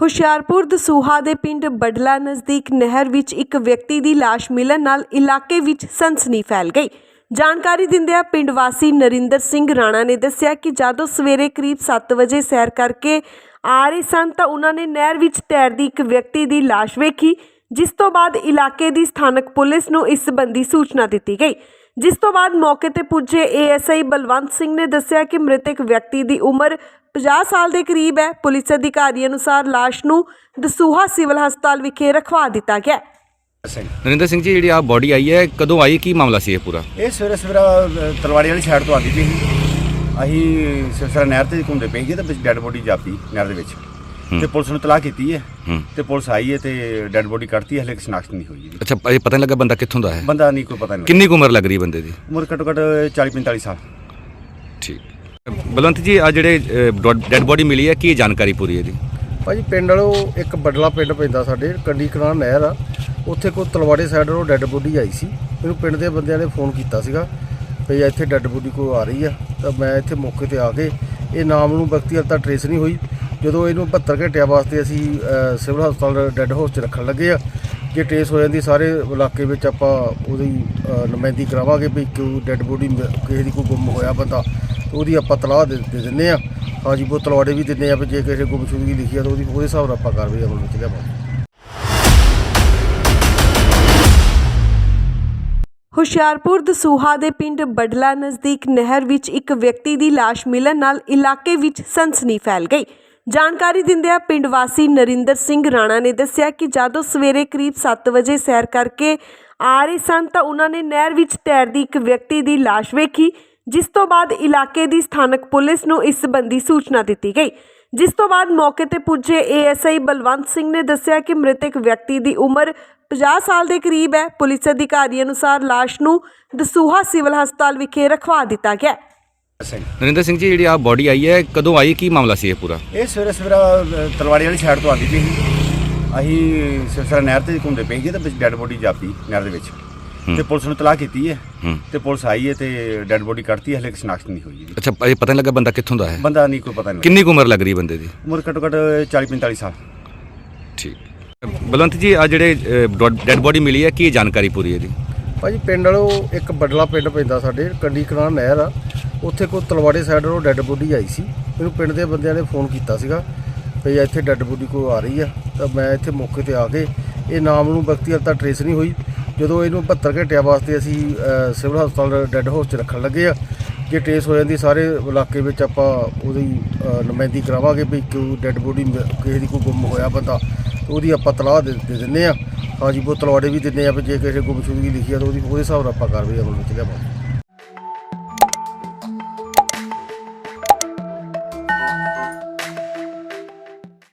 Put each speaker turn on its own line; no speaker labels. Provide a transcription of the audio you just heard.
ਹੁਸ਼ਿਆਰਪੁਰ ਦਸੂਹਾ ਦੇ ਪਿੰਡ ਬਡਲਾ ਨਜ਼ਦੀਕ ਨਹਿਰ ਵਿੱਚ ਇੱਕ ਵਿਅਕਤੀ ਦੀ ਲਾਸ਼ ਮਿਲਣ ਨਾਲ ਇਲਾਕੇ ਵਿੱਚ ਸਨਸਨੀ ਫੈਲ ਗਈ। ਜਾਣਕਾਰੀ ਦਿੰਦਿਆਂ ਪਿੰਡ ਵਾਸੀ ਨਰਿੰਦਰ ਸਿੰਘ ਰਾਣਾ ਨੇ ਦੱਸਿਆ ਕਿ ਜਦੋਂ ਸਵੇਰੇ ਕਰੀਬ 7 ਵਜੇ ਸੈਰ ਕਰਕੇ ਆ ਰਹੇ ਸਨ ਤਾਂ ਉਹਨਾਂ ਨੇ ਨਹਿਰ ਵਿੱਚ ਤੈਰਦੀ ਇੱਕ ਵਿਅਕਤੀ ਦੀ ਲਾਸ਼ ਵੇਖੀ, ਜਿਸ ਤੋਂ ਬਾਅਦ ਇਲਾਕੇ ਦੀ ਸਥਾਨਕ ਪੁਲਿਸ ਨੂੰ ਇਸ ਸੰਬੰਧੀ ਸੂਚਨਾ ਦਿੱਤੀ ਗਈ। ਜਿਸ ਤੋਂ ਬਾਅਦ ਮੌਕੇ ਤੇ ਪੁੱਜੇ ਏਐਸਆਈ ਬਲਵੰਤ ਸਿੰਘ ਨੇ ਦੱਸਿਆ ਕਿ ਮ੍ਰਿਤਕ ਵਿਅਕਤੀ ਦੀ ਉਮਰ 50 ਸਾਲ ਦੇ ਕਰੀਬ ਹੈ। ਪੁਲਿਸ ਅਧਿਕਾਰੀ ਅਨੁਸਾਰ ਲਾਸ਼ ਨੂੰ ਦਸੂਹਾ ਸਿਵਲ ਹਸਪਤਾਲ ਵਿਖੇ ਰਖਵਾ ਦਿੱਤਾ ਗਿਆ।
ਨਰਿੰਦਰ ਸਿੰਘ ਜੀ, ਜਿਹੜੀ ਆ ਬੋਡੀ ਆਈ ਹੈ, ਕਦੋਂ ਆਈ, ਕੀ ਮਾਮਲਾ ਸੀ ਇਹ ਪੂਰਾ?
ਇਹ ਸਵੇਰਾ ਤਲਵਾੜੀ ਵਾਲੀ ਸਾਈਡ ਤੋਂ ਆਉਂਦੀ ਪਈ ਸੀ। ਅਸੀਂ ਸਿਰਸਰਾ ਨਹਿਰ ਤੇ ਘੁੰਮਦੇ ਪਏ ਸੀ ਤੇ ਵਿੱਚ ਡੈੱਡ ਬੋਡੀ ਜਾਪੀ ਨਹਿਰ ਦੇ ਵਿੱਚ ਤੇ ਪੁਲਿਸ ਨੂੰ ਤਲਾਹ ਕੀਤੀ ਹੈ ਤੇ ਪੁਲਿਸ ਆਈ ਹੈ ਤੇ ਡੈੱਡ ਬੋਡੀ ਕੱਢਤੀ, ਹਲੇ ਸ਼ਨਾਖਤ ਨਹੀਂ ਹੋਈ।
ਅੱਛਾ, ਇਹ ਪਤਾ ਨਹੀਂ ਲੱਗਾ ਬੰਦਾ ਕਿੱਥੋਂ ਦਾ ਹੈ?
ਬੰਦਾ ਨਹੀਂ ਕੋਈ ਪਤਾ ਨਹੀਂ।
ਕਿੰਨੀ ਕੁ ਉਮਰ ਲੱਗ ਰਹੀ ਬੰਦੇ ਦੀ?
ਉਮਰ ਘੱਟੋ ਘੱਟ 40-45 ਸਾਲ।
ਠੀਕ। ਬਲਵੰਤ ਜੀ, ਆ ਜਿਹੜੇ ਡੈੱਡ ਬੋਡੀ ਮਿਲੀ ਹੈ, ਕੀ ਜਾਣਕਾਰੀ ਪੂਰੀ ਇਹਦੀ?
ਭਾਜੀ ਪਿੰਡ ਵਾਲੋ ਇੱਕ ਬਡਲਾ ਪਿੰਡ ਪੈਂਦਾ ਸਾਡੇ, ਕੰਡੀ ਕਲਾਂ ਨਹਿਰ ਆ, ਉੱਥੇ ਕੋਈ ਤਲਵਾੜੇ ਸਾਈਡ ਤੋਂ ਡੈੱਡ ਬੋਡੀ ਆਈ ਸੀ। ਮੈਨੂੰ ਪਿੰਡ ਦੇ ਬੰਦਿਆਂ ਨੇ ਫੋਨ ਕੀਤਾ ਸੀਗਾ ਵੀ ਇੱਥੇ ਡੈੱਡ ਬੋਡੀ ਕੋਈ ਆ ਰਹੀ ਆ, ਤਾਂ ਮੈਂ ਇੱਥੇ ਮੌਕੇ ਤੇ ਆ ਕੇ ਇਹ ਨਾਮ ਨੂੰ ਵਿਅਕਤੀ ਹਾਲੇ ਤੱਕ ਟਰੇਸ ਨਹੀਂ ਹੋਈ। ਜਦੋਂ ਇਹਨੂੰ 72 ਘੰਟਿਆਂ ਵਾਸਤੇ ਅਸੀਂ ਸਿਵਲ ਹਸਪਤਾਲ ਡੈੱਡ ਹਾਊਸ 'ਚ ਰੱਖਣ ਲੱਗੇ ਆ, ਜੇ ਟਰੇਸ ਹੋ ਜਾਂਦੀ ਸਾਰੇ ਇਲਾਕੇ ਵਿੱਚ ਆਪਾਂ ਉਹਦੀ ਨੁਮਾਇੰਦਗੀ ਕਰਾਵਾਂਗੇ ਵੀ ਕਿਉਂ ਡੈੱਡ ਬੋਡੀ ਕਿਸੇ ਦੀ ਕੋਈ ਗੁੰਮ ਹੋਇਆ ਬੰਦਾ, ਉਹਦੀ ਆਪਾਂ ਤਲਾਹ ਦੇ ਦਿੰਦੇ ਆ। ਹਾਂਜੀ, ਉਹ ਤਲਵਾੜੇ ਵੀ ਦਿੰਦੇ ਆ ਵੀ ਜੇ ਕਿਸੇ ਗੁੰਮਸ਼ੁਦਗੀ ਲਿਖੀ ਆ ਤਾਂ ਉਹਦੇ ਹਿਸਾਬ ਨਾਲ ਆਪਾਂ ਕਾਰਵਾਈ ਅਮਲ ਵਿੱਚ ਲਿਆਵਾਂਗੇ।
ਹੁਸ਼ਿਆਰਪੁਰ ਦਸੂਹਾ ਦੇ ਪਿੰਡ ਬਡਲਾ ਨਜ਼ਦੀਕ ਨਹਿਰ ਵਿੱਚ ਇੱਕ ਵਿਅਕਤੀ ਦੀ ਲਾਸ਼ ਮਿਲਣ ਨਾਲ ਇਲਾਕੇ ਵਿੱਚ ਸਨਸਨੀ ਫੈਲ ਗਈ। ਜਾਣਕਾਰੀ ਦਿੰਦਿਆਂ ਪਿੰਡ ਵਾਸੀ ਨਰਿੰਦਰ ਸਿੰਘ ਰਾਣਾ ਨੇ ਦੱਸਿਆ ਕਿ ਜਦੋਂ ਸਵੇਰੇ ਕਰੀਬ 7 ਵਜੇ ਸੈਰ ਕਰਕੇ ਆ ਰਹੇ ਸਨ ਤਾਂ ਉਹਨਾਂ ਨੇ ਨਹਿਰ ਵਿੱਚ ਤੈਰਦੀ ਇੱਕ ਵਿਅਕਤੀ ਦੀ ਲਾਸ਼ ਵੇਖੀ, ਜਿਸ ਤੋਂ ਬਾਅਦ ਇਲਾਕੇ ਦੀ ਸਥਾਨਕ ਪੁਲਿਸ ਨੂੰ ਇਸ ਸੰਬੰਧੀ ਸੂਚਨਾ ਦਿੱਤੀ ਗਈ। ਜਿਸ ਤੋਂ ਬਾਅਦ ਮੌਕੇ ਤੇ ਪੁੱਜੇ ਏਐਸਆਈ ਬਲਵੰਤ ਸਿੰਘ ਨੇ ਦੱਸਿਆ ਕਿ ਮ੍ਰਿਤਕ ਵਿਅਕਤੀ ਦੀ ਉਮਰ 50 ਸਾਲ ਦੇ ਕਰੀਬ ਹੈ। ਪੁਲਿਸ ਅਧਿਕਾਰੀ ਅਨੁਸਾਰ ਲਾਸ਼ ਨੂੰ ਦਸੂਹਾ ਸਿਵਲ ਹਸਪਤਾਲ ਵਿਖੇ ਰਖਵਾ ਦਿੱਤਾ ਗਿਆ।
ਨਰਿੰਦਰ ਸਿੰਘ ਜੀ, ਜਿਹੜੀ ਆ ਬੋਡੀ ਆਈ ਹੈ, ਕਦੋਂ ਆਈ, ਕੀ ਮਾਮਲਾ ਸੀ ਇਹ ਪੂਰਾ?
ਇਹ ਸਵੇਰਾ ਤਲਵਾੜੀ ਵਾਲੀ ਸਾਈਡ ਤੋਂ ਆਉਂਦੀ ਪਈ ਸੀ। ਅਸੀਂ ਸਿਰਸਰਾ ਨਹਿਰ ਤੇ ਘੁੰਮਦੇ ਪਏ ਸੀ ਤੇ ਵਿੱਚ ਡੈੱਡ ਬੋਡੀ ਜਾਪੀ ਨਹਿਰ ਦੇ ਵਿੱਚ ਤੇ ਪੁਲਿਸ ਨੂੰ ਤਲਾਹ ਕੀਤੀ ਹੈ ਤੇ ਪੁਲਿਸ ਆਈ ਹੈ ਤੇ ਡੈੱਡ ਬੋਡੀ ਕੱਢਤੀ, ਹਲੇ ਸ਼ਨਾਖਤ ਨਹੀਂ ਹੋਈ।
ਅੱਛਾ, ਇਹ ਪਤਾ ਨਹੀਂ ਲੱਗਾ ਬੰਦਾ ਕਿੱਥੋਂ ਦਾ ਹੈ?
ਬੰਦਾ ਨਹੀਂ ਕੋਈ ਪਤਾ ਨਹੀਂ।
ਕਿੰਨੀ ਕੁ ਉਮਰ ਲੱਗ ਰਹੀ ਬੰਦੇ ਦੀ?
ਉਮਰ ਘੱਟੋ ਘੱਟ 40-45 ਸਾਲ।
ਠੀਕ। ਬਲਵੰਤ ਜੀ, ਆ ਜਿਹੜੇ ਡੈੱਡ ਬੋਡੀ ਮਿਲੀ ਹੈ, ਕੀ ਜਾਣਕਾਰੀ ਪੂਰੀ ਇਹਦੀ?
ਭਾਜੀ ਪਿੰਡ ਵਾਲੋ ਇੱਕ ਬਡਲਾ ਪਿੰਡ ਪੈਂਦਾ ਸਾਡੇ, ਕੰਡੀ ਕਲਾਂ ਨਹਿਰ ਆ, ਉੱਥੇ ਕੋਈ ਤਲਵਾੜੇ ਸਾਈਡ ਤੋਂ ਡੈੱਡ ਬੋਡੀ ਆਈ ਸੀ। ਮੈਨੂੰ ਪਿੰਡ ਦੇ ਬੰਦਿਆਂ ਨੇ ਫੋਨ ਕੀਤਾ ਸੀਗਾ ਵੀ ਇੱਥੇ ਡੈੱਡ ਬੋਡੀ ਕੋਈ ਆ ਰਹੀ ਆ, ਤਾਂ ਮੈਂ ਇੱਥੇ ਮੌਕੇ ਤੇ ਆ ਕੇ ਇਹ ਨਾਮ ਨੂੰ ਵਿਅਕਤੀ ਹਾਲੇ ਤੱਕ ਟਰੇਸ ਨਹੀਂ ਹੋਈ। ਜਦੋਂ ਇਹਨੂੰ 72 ਘੰਟਿਆਂ ਵਾਸਤੇ ਅਸੀਂ ਸਿਵਲ ਹਸਪਤਾਲ ਡੈੱਡ ਹਾਊਸ 'ਚ ਰੱਖਣ ਲੱਗੇ ਆ, ਜੇ ਟਰੇਸ ਹੋ ਜਾਂਦੀ ਸਾਰੇ ਇਲਾਕੇ ਵਿੱਚ ਆਪਾਂ ਉਹਦੀ ਨੁਮਾਇੰਦਗੀ ਕਰਾਵਾਂਗੇ ਵੀ ਕਿਉਂ ਡੈੱਡ ਬੋਡੀ ਕਿਸੇ ਦੀ ਕੋਈ ਗੁੰਮ ਹੋਇਆ ਬੰਦਾ, ਉਹਦੀ ਆਪਾਂ ਤਲਾਹ ਦੇ ਦਿੰਦੇ ਆ। ਹਾਂਜੀ, ਉਹ ਤਲਵਾੜੇ ਵੀ ਦਿੰਦੇ ਆ ਵੀ ਜੇ ਕਿਸੇ ਗੁੰਮਸ਼ੁਦਗੀ ਲਿਖੀ ਆ ਤਾਂ ਉਹਦੇ ਹਿਸਾਬ ਨਾਲ ਆਪਾਂ ਕਾਰਵਾਈ ਅਮਲ ਵਿੱਚ ਲਿਆਵਾਂਗੇ।